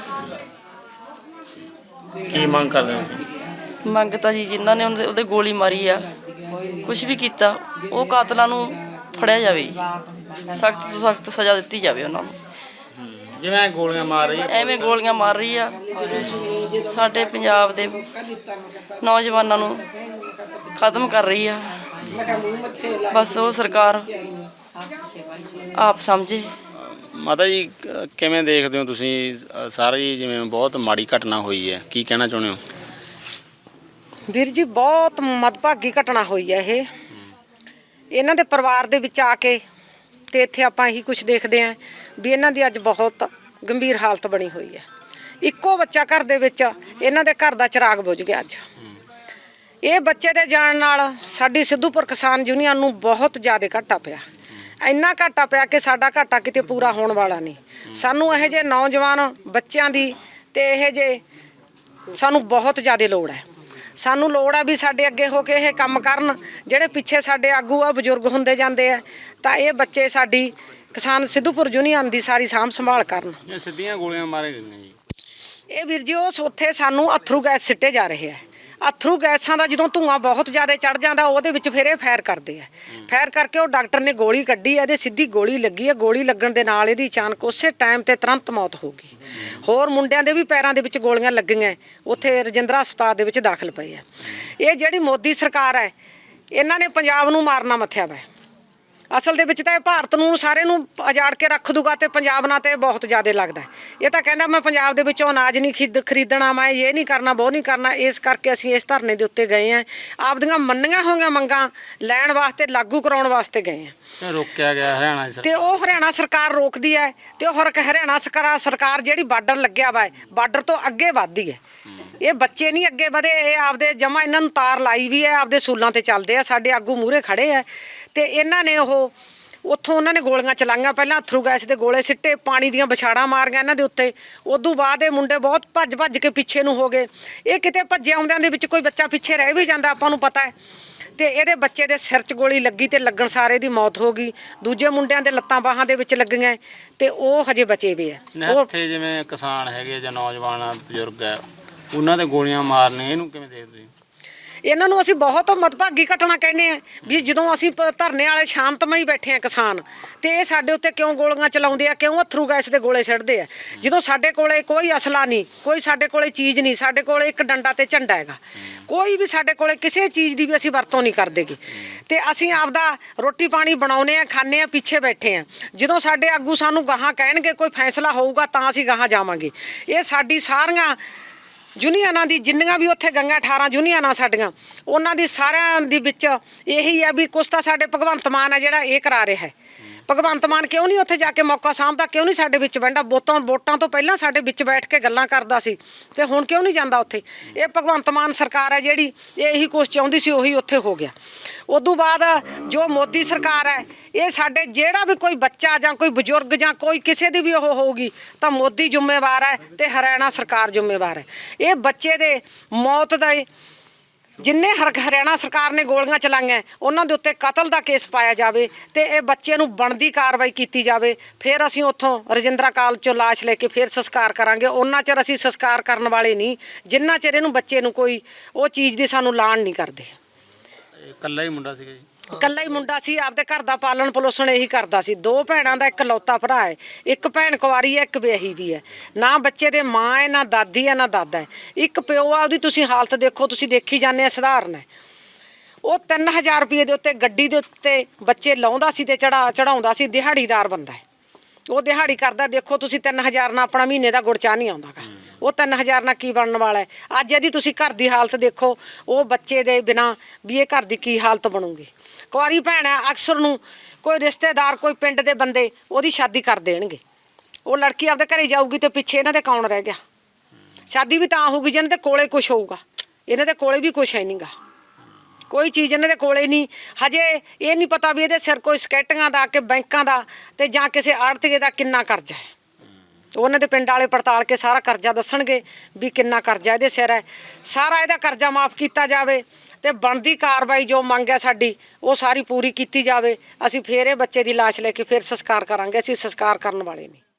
ਕੀ ਮੰਗ ਕਰਦੇ ਹੋ ਤੁਸੀਂ?
ਮੰਗ ਤਾਂ ਜੀ ਜਿਨ੍ਹਾਂ ਨੇ ਉਹਦੇ ਗੋਲੀ ਮਾਰੀ ਆ, ਕੁਝ ਵੀ ਕੀਤਾ, ਉਹ ਕਾਤਲਾਂ ਨੂੰ ਫੜਿਆ ਜਾਵੇ ਜੀ, ਸਖਤ ਤੋਂ ਸਖਤ ਸਜ਼ਾ ਦਿੱਤੀ ਜਾਵੇ ਉਹਨਾਂ ਨੂੰ।
ਜਿਵੇਂ ਗੋਲੀਆਂ ਮਾਰ ਰਹੀ ਹੈ,
ਐਵੇਂ ਗੋਲੀਆਂ ਮਾਰ ਰਹੀ ਆ, ਸਾਡੇ ਪੰਜਾਬ ਦੇ ਨੌਜਵਾਨਾਂ ਨੂੰ ਖਤਮ ਕਰ ਰਹੀ ਆ। ਬਸ ਉਹ ਸਰਕਾਰ ਆਪ ਸਮਝੇ।
ਮਾਤਾ ਜੀ ਕਿਵੇਂ ਦੇਖਦੇ ਹੋ ਤੁਸੀਂ ਸਾਰੀ ਜਿਵੇਂ ਬਹੁਤ ਮਾੜੀ ਘਟਨਾ ਹੋਈ ਹੈ, ਕੀ ਕਹਿਣਾ ਚਾਹੁੰਦੇ ਹੋ?
ਵੀਰ ਜੀ ਬਹੁਤ ਮੰਦਭਾਗੀ ਘਟਨਾ ਹੋਈ ਹੈ ਇਹ। ਇਹਨਾਂ ਦੇ ਪਰਿਵਾਰ ਦੇ ਵਿੱਚ ਆ ਕੇ ਤੇ ਇੱਥੇ ਆਪਾਂ ਇਹੀ ਕੁਝ ਦੇਖਦੇ ਆਂ ਵੀ ਇਹਨਾਂ ਦੀ ਅੱਜ ਬਹੁਤ ਗੰਭੀਰ ਹਾਲਤ ਬਣੀ ਹੋਈ ਹੈ। ਇੱਕੋ ਬੱਚਾ ਘਰ ਦੇ ਵਿੱਚ, ਇਹਨਾਂ ਦੇ ਘਰ ਦਾ ਚਿਰਾਗ ਬੁਝ ਗਿਆ ਅੱਜ। ਇਹ ਬੱਚੇ ਦੇ ਜਾਣ ਨਾਲ ਸਾਡੀ ਸਿੱਧੂਪੁਰ ਕਿਸਾਨ ਯੂਨੀਅਨ ਨੂੰ ਬਹੁਤ ਜ਼ਿਆਦਾ ਘਾਟਾ ਪਿਆ। ਇੰਨਾ ਘਾਟਾ ਪਿਆ ਕਿ ਸਾਡਾ ਘਾਟਾ ਕਿਤੇ ਪੂਰਾ ਹੋਣ ਵਾਲਾ ਨਹੀਂ। ਸਾਨੂੰ ਇਹੋ ਜਿਹੇ ਨੌਜਵਾਨ ਬੱਚਿਆਂ ਦੀ ਤੇ ਇਹੋ ਜਿਹੇ ਸਾਨੂੰ ਬਹੁਤ ਜ਼ਿਆਦਾ ਲੋੜ ਹੈ। ਸਾਨੂੰ ਲੋੜ ਆ ਵੀ ਸਾਡੇ ਅੱਗੇ ਹੋ ਕੇ ਇਹ ਕੰਮ ਕਰਨ, ਜਿਹੜੇ ਪਿੱਛੇ ਸਾਡੇ ਆਗੂ ਆ ਬਜ਼ੁਰਗ ਹੁੰਦੇ ਜਾਂਦੇ ਆ, ਤਾਂ ਇਹ ਬੱਚੇ ਸਾਡੀ ਕਿਸਾਨ ਸਿੱਧੂਪੁਰ ਯੂਨੀਅਨ ਦੀ ਸਾਰੀ ਸਾਂਭ ਸੰਭਾਲ ਕਰਨ।
ਇਹ ਸਿੱਧੀਆਂ ਗੋਲੀਆਂ ਮਾਰੇ ਨੇ ਜੀ?
ਇਹ ਵੀਰ ਜੀ ਉਸ ਉੱਥੇ ਸਾਨੂੰ ਅਥਰੂ ਗੈਸ ਸਿੱਟੇ ਜਾ ਰਹੇ ਆ। ਅਥਰੂ ਗੈਸਾਂ ਦਾ ਜਦੋਂ ਧੂੰਆਂ ਬਹੁਤ ਜ਼ਿਆਦਾ ਚੜ ਜਾਂਦਾ, ਉਹਦੇ ਵਿੱਚ ਫਿਰ ਇਹ ਫਾਇਰ ਕਰਦੇ ਆ। ਫਾਇਰ ਕਰਕੇ ਉਹ ਡਾਕਟਰ ਨੇ ਗੋਲੀ ਕੱਢੀ ਆ, ਇਹਦੇ ਸਿੱਧੀ ਗੋਲੀ ਲੱਗੀ ਆ। ਗੋਲੀ ਲੱਗਣ ਦੇ ਨਾਲ ਇਹਦੀ ਅਚਾਨਕ ਉਸੇ ਟਾਈਮ ਤੇ ਤੁਰੰਤ ਮੌਤ ਹੋ ਗਈ। ਹੋਰ ਮੁੰਡਿਆਂ ਦੇ ਵੀ ਪੈਰਾਂ ਦੇ ਵਿੱਚ ਗੋਲੀਆਂ ਲੱਗੀਆਂ, ਉੱਥੇ ਰਜਿੰਦਰਾ ਹਸਪਤਾਲ ਦੇ ਵਿੱਚ ਦਾਖਲ ਪਏ ਆ। ਇਹ ਜਿਹੜੀ ਮੋਦੀ ਸਰਕਾਰ ਹੈ, ਇਹਨਾਂ ਨੇ ਪੰਜਾਬ ਨੂੰ ਮਾਰਨਾ ਮੱਥਿਆ ਵਾ। ਅਸਲ ਦੇ ਵਿੱਚ ਤਾਂ ਇਹ ਭਾਰਤ ਨੂੰ ਸਾਰੇ ਨੂੰ ਉਜਾੜ ਕੇ ਰੱਖ ਦੂਗਾ ਤੇ ਪੰਜਾਬ ਨਾਲ ਤੇ ਬਹੁਤ ਜ਼ਿਆਦਾ ਲੱਗਦਾ ਹੈ। ਇਹ ਤਾਂ ਕਹਿੰਦਾ ਮੈਂ ਪੰਜਾਬ ਦੇ ਵਿੱਚੋਂ ਅਨਾਜ ਨਹੀਂ ਖਰੀਦਣਾ, ਮੈਂ ਇਹ ਨਹੀਂ ਕਰਨਾ, ਉਹ ਨਹੀਂ ਕਰਨਾ। ਇਸ ਕਰਕੇ ਅਸੀਂ ਇਸ ਧਰਨੇ ਦੇ ਉੱਤੇ ਗਏ ਹਾਂ, ਆਪਦੀਆਂ ਮੰਨੀਆਂ ਹੋਈਆਂ ਮੰਗਾਂ ਲੈਣ ਵਾਸਤੇ, ਲਾਗੂ ਕਰਾਉਣ ਵਾਸਤੇ ਗਏ ਹਾਂ।
ਰੋਕਿਆ ਗਿਆ ਹਰਿਆਣਾ
ਤੇ ਉਹ ਹਰਿਆਣਾ ਸਰਕਾਰ ਰੋਕਦੀ ਹੈ ਤੇ ਉਹ ਹਰਿਆਣਾ ਸਰਕਾਰ ਜਿਹੜੀ ਬਾਰਡਰ ਲੱਗਿਆ ਵਾ ਬਾਰਡਰ ਤੋਂ ਅੱਗੇ ਵੱਧਦੀ ਹੈ। ਇਹ ਬੱਚੇ ਨਹੀਂ ਅੱਗੇ ਵਧੇ, ਇਹ ਆਪਦੇ ਜਮਾ ਇਹਨਾਂ ਨੂੰ ਤਾਰ ਲਾਈ ਵੀ ਹੈ, ਆਪਦੇ ਸੂਲਾਂ ਤੇ ਚੱਲਦੇ ਆ। ਸਾਡੇ ਆਗੂ ਮੂਹਰੇ ਖੜੇ ਆ ਤੇ ਇਹਨਾਂ ਨੇ ਉੱਥੋਂ ਉਹਨਾਂ ਨੇ ਗੋਲੀਆਂ ਚਲਾਈਆਂ, ਪਹਿਲਾਂ ਅਥਰੂ ਗੈਸ ਦੇ ਗੋਲੇ ਸਿੱਟੇ, ਪਾਣੀ ਦੀਆਂ ਵਿਛਾੜਾਂ ਮਾਰੀਆਂ ਇਹਨਾਂ ਦੇ ਉੱਤੇ। ਉਦੋਂ ਬਾਅਦ ਇਹ ਮੁੰਡੇ ਬਹੁਤ ਭੱਜ ਕੇ ਪਿੱਛੇ ਨੂੰ ਹੋ ਗਏ। ਇਹ ਕਿਤੇ ਭੱਜੇ ਆਉਂਦਿਆਂ ਦੇ ਵਿੱਚ ਕੋਈ ਬੱਚਾ ਪਿੱਛੇ ਰਹਿ ਵੀ ਜਾਂਦਾ, ਆਪਾਂ ਨੂੰ ਪਤਾ ਹੈ। ਤੇ ਇਹਦੇ ਬੱਚੇ ਦੇ ਸਿਰ 'ਚ ਗੋਲੀ ਲੱਗੀ ਤੇ ਲੱਗਣ ਸਾਰੇ ਦੀ ਮੌਤ ਹੋ ਗਈ। ਦੂਜੇ ਮੁੰਡਿਆਂ ਦੇ ਲੱਤਾਂ ਬਾਹਾਂ ਦੇ ਵਿੱਚ ਲੱਗੀਆਂ ਤੇ ਉਹ ਹਜੇ ਬਚੇ ਵੇ ਆ।
ਉੱਥੇ ਜਿਵੇਂ ਕਿਸਾਨ ਹੈਗੇ ਜਾਂ ਨੌਜਵਾਨ ਬਜ਼ੁਰਗ ਹੈ, ਉਹਨਾਂ ਦੇ ਗੋਲੀਆਂ ਮਾਰਨੇ, ਇਹਨੂੰ ਕਿਵੇਂ ਦੇਖਦੇ ਹੋ?
ਇਹਨਾਂ ਨੂੰ ਅਸੀਂ ਬਹੁਤ ਮਦਭਾਗੀ ਘਟਨਾ ਕਹਿੰਦੇ ਆ ਵੀ ਜਦੋਂ ਅਸੀਂ ਧਰਨੇ ਵਾਲੇ ਸ਼ਾਂਤਮਈ ਬੈਠੇ ਆ ਕਿਸਾਨ, ਤੇ ਇਹ ਸਾਡੇ ਉੱਤੇ ਕਿਉਂ ਗੋਲੀਆਂ ਚਲਾਉਂਦੇ ਆ, ਕਿਉਂ ਅਥਰੂ ਗੈਸ ਦੇ ਗੋਲੇ ਛੱਡਦੇ ਆ, ਜਦੋਂ ਸਾਡੇ ਕੋਲੇ ਕੋਈ ਅਸਲਾ ਨਹੀਂ, ਕੋਈ ਸਾਡੇ ਕੋਲੇ ਚੀਜ਼ ਨਹੀਂ, ਸਾਡੇ ਕੋਲੇ ਇੱਕ ਡੰਡਾ ਤੇ ਝੰਡਾ ਹੈਗਾ, ਕੋਈ ਵੀ ਸਾਡੇ ਕੋਲੇ ਕਿਸੇ ਚੀਜ਼ ਦੀ ਵੀ ਅਸੀਂ ਵਰਤੋਂ ਨਹੀਂ ਕਰਦੇਗੇ। ਤੇ ਅਸੀਂ ਆਪਦਾ ਰੋਟੀ ਪਾਣੀ ਬਣਾਉਨੇ ਆ, ਖਾਂਦੇ ਆ, ਪਿੱਛੇ ਬੈਠੇ ਆ। ਜਦੋਂ ਸਾਡੇ ਆਗੂ ਸਾਨੂੰ ਗਾਹਾਂ ਕਹਿਣਗੇ, ਕੋਈ ਫੈਸਲਾ ਹੋਊਗਾ ਤਾਂ ਅਸੀਂ ਗਾਹਾਂ ਜਾਵਾਂਗੇ। ਇਹ ਸਾਡੀ ਸਾਰੀਆਂ ਯੂਨੀਅਨਾਂ ਦੀ ਜਿੰਨੀਆਂ ਵੀ ਉੱਥੇ ਗਈਆਂ 18 ਯੂਨੀਅਨਾਂ ਸਾਡੀਆਂ, ਉਹਨਾਂ ਦੀ ਸਾਰਿਆਂ ਦੇ ਵਿੱਚ ਇਹੀ ਹੈ ਵੀ ਕੁਛ ਤਾਂ ਸਾਡੇ ਭਗਵੰਤ ਮਾਨ ਹੈ ਜਿਹੜਾ ਇਹ ਕਰਾ ਰਿਹਾ ਹੈ। ਭਗਵੰਤ ਮਾਨ ਕਿਉਂ ਨਹੀਂ ਉੱਥੇ ਜਾ ਕੇ ਮੌਕਾ ਸਾਂਭਦਾ, ਕਿਉਂ ਨਹੀਂ ਸਾਡੇ ਵਿੱਚ ਬੈਠਦਾ? ਵੋਟਾਂ ਤੋਂ ਪਹਿਲਾਂ ਸਾਡੇ ਵਿੱਚ ਬੈਠ ਕੇ ਗੱਲਾਂ ਕਰਦਾ ਸੀ ਤੇ ਹੁਣ ਕਿਉਂ ਨਹੀਂ ਜਾਂਦਾ ਉੱਥੇ? ਇਹ ਭਗਵੰਤ ਮਾਨ ਸਰਕਾਰ ਹੈ ਜਿਹੜੀ ਇਹੀ ਕੁਛ ਚਾਹੁੰਦੀ ਸੀ, ਉਹੀ ਉੱਥੇ ਹੋ ਗਿਆ। ਉਦੋਂ ਬਾਅਦ ਜੋ ਮੋਦੀ ਸਰਕਾਰ ਹੈ, ਇਹ ਸਾਡੇ ਜਿਹੜਾ ਵੀ ਕੋਈ ਬੱਚਾ ਜਾਂ ਕੋਈ ਬਜ਼ੁਰਗ ਜਾਂ ਕੋਈ ਕਿਸੇ ਦੀ ਵੀ ਉਹ ਹੋਊਗੀ ਤਾਂ ਮੋਦੀ ਜ਼ਿੰਮੇਵਾਰ ਹੈ ਤੇ ਹਰਿਆਣਾ ਸਰਕਾਰ ਜ਼ਿੰਮੇਵਾਰ ਹੈ। ਇਹ ਬੱਚੇ ਦੇ ਮੌਤ ਦਾ ਜਿੰਨੇ ਹਰਿਆਣਾ ਸਰਕਾਰ ਨੇ ਗੋਲੀਆਂ ਚਲਾਈਆਂ ਉਹਨਾਂ ਦੇ ਉੱਤੇ ਕਤਲ ਦਾ ਕੇਸ ਪਾਇਆ ਜਾਵੇ ਤੇ ਇਹ ਬੱਚੇ ਨੂੰ ਬਣਦੀ ਕਾਰਵਾਈ ਕੀਤੀ ਜਾਵੇ। ਫਿਰ ਅਸੀਂ ਉੱਥੋਂ ਰਜਿੰਦਰਾ ਕਾਲਜ ਚੋਂ ਲਾਸ਼ ਲੈ ਕੇ ਫਿਰ ਸੰਸਕਾਰ ਕਰਾਂਗੇ। ਉਹਨਾਂ ਚਿਰ ਅਸੀਂ ਸੰਸਕਾਰ ਕਰਨ ਵਾਲੇ ਨਹੀਂ ਜਿੰਨਾ ਚਿਰ ਇਹਨੂੰ ਬੱਚੇ ਨੂੰ ਕੋਈ ਉਹ ਚੀਜ਼ ਦੀ ਸਾਨੂੰ ਲਾਣ ਨਹੀਂ ਕਰਦੇ।
ਇਕੱਲਾ ਹੀ ਮੁੰਡਾ ਸੀਗਾ ਜੀ?
ਇਕੱਲਾ ਹੀ ਮੁੰਡਾ ਸੀ, ਆਪਦੇ ਘਰ ਦਾ ਪਾਲਣ ਪੋਸ਼ਣ ਇਹੀ ਕਰਦਾ ਸੀ। 2 ਭੈਣਾਂ ਦਾ ਇਕਲੌਤਾ ਭਰਾ ਹੈ, ਇੱਕ ਭੈਣ ਕੁਆਰੀ ਹੈ, ਇੱਕ ਵਿਆਹੀ ਵੀ ਹੈ। ਨਾ ਬੱਚੇ ਦੇ ਮਾਂ ਹੈ, ਨਾ ਦਾਦੀ ਹੈ, ਨਾ ਦਾਦਾ ਹੈ। ਇੱਕ ਪਿਓ ਆ, ਉਹਦੀ ਤੁਸੀਂ ਹਾਲਤ ਦੇਖੋ, ਤੁਸੀਂ ਦੇਖੀ ਜਾਂਦੇ ਆ, ਸਧਾਰਨ ਹੈ। ਉਹ 3000 ਰੁਪਏ ਦੇ ਉੱਤੇ ਗੱਡੀ ਦੇ ਉੱਤੇ ਬੱਚੇ ਲਾਉਂਦਾ ਸੀ ਤੇ ਚੜਾਉਂਦਾ ਸੀ। ਦਿਹਾੜੀਦਾਰ ਬੰਦਾ ਹੈ, ਉਹ ਦਿਹਾੜੀ ਕਰਦਾ। ਦੇਖੋ ਤੁਸੀਂ 3000 ਨਾਲ ਆਪਣਾ ਮਹੀਨੇ ਦਾ ਗੁੜ ਚਾਹ ਨਹੀਂ ਆਉਂਦਾ ਗਾ। ਉਹ 3000 ਨਾਲ ਕੀ ਬਣਨ ਵਾਲਾ ਹੈ? ਅੱਜ ਇਹਦੀ ਤੁਸੀਂ ਘਰ ਦੀ ਹਾਲਤ ਦੇਖੋ, ਉਹ ਬੱਚੇ ਦੇ ਬਿਨਾਂ ਵੀ ਇਹ ਘਰ ਦੀ ਕੀ ਹਾਲਤ ਬਣੂਗੀ। ਕੁਆਰੀ ਭੈਣ ਹੈ, ਅਕਸਰ ਨੂੰ ਕੋਈ ਰਿਸ਼ਤੇਦਾਰ, ਕੋਈ ਪਿੰਡ ਦੇ ਬੰਦੇ ਉਹਦੀ ਸ਼ਾਦੀ ਕਰ ਦੇਣਗੇ। ਉਹ ਲੜਕੀ ਆਪਦੇ ਘਰੇ ਜਾਊਗੀ ਤੇ ਪਿੱਛੇ ਇਹਨਾਂ ਦੇ ਕੌਣ ਰਹਿ ਗਿਆ? ਸ਼ਾਦੀ ਵੀ ਤਾਂ ਹੋਊਗੀ ਜਿਹਨਾਂ ਦੇ ਕੋਲੇ ਕੁਛ ਹੋਊਗਾ। ਇਹਨਾਂ ਦੇ ਕੋਲੇ ਵੀ ਕੁਛ ਹੈ ਨਹੀਂਗਾ, ਕੋਈ ਚੀਜ਼ ਇਹਨਾਂ ਦੇ ਕੋਲੇ ਨਹੀਂ। ਹਜੇ ਇਹ ਨਹੀਂ ਪਤਾ ਵੀ ਇਹਦੇ ਸਿਰ ਕੋਈ ਸਕੈਟੀਆਂ ਦਾ ਕਿ ਬੈਂਕਾਂ ਦਾ ਤੇ ਜਾਂ ਕਿਸੇ ਆੜਤੀਏ ਦਾ ਕਿੰਨਾ ਕਰਜ਼ਾ ਹੈ। ਉਹਨਾਂ ਦੇ ਪਿੰਡ ਵਾਲੇ ਪੜਤਾਲ ਕੇ ਸਾਰਾ ਕਰਜ਼ਾ ਦੱਸਣਗੇ ਵੀ ਕਿੰਨਾ ਕਰਜ਼ਾ ਇਹਦੇ ਸਿਰ ਹੈ। ਸਾਰਾ ਇਹਦਾ ਕਰਜ਼ਾ ਮਾਫ ਕੀਤਾ ਜਾਵੇ ਤੇ ਬਣਦੀ ਕਾਰਵਾਈ ਜੋ ਮੰਗ ਹੈ ਸਾਡੀ ਉਹ ਸਾਰੀ ਪੂਰੀ ਕੀਤੀ ਜਾਵੇ। ਅਸੀਂ ਫੇਰ ਇਹ ਬੱਚੇ ਦੀ ਲਾਸ਼ ਲੈ ਕੇ ਫੇਰ ਸੰਸਕਾਰ ਕਰਾਂਗੇ। ਅਸੀਂ ਸੰਸਕਾਰ ਕਰਨ ਵਾਲੇ ਨਹੀਂ।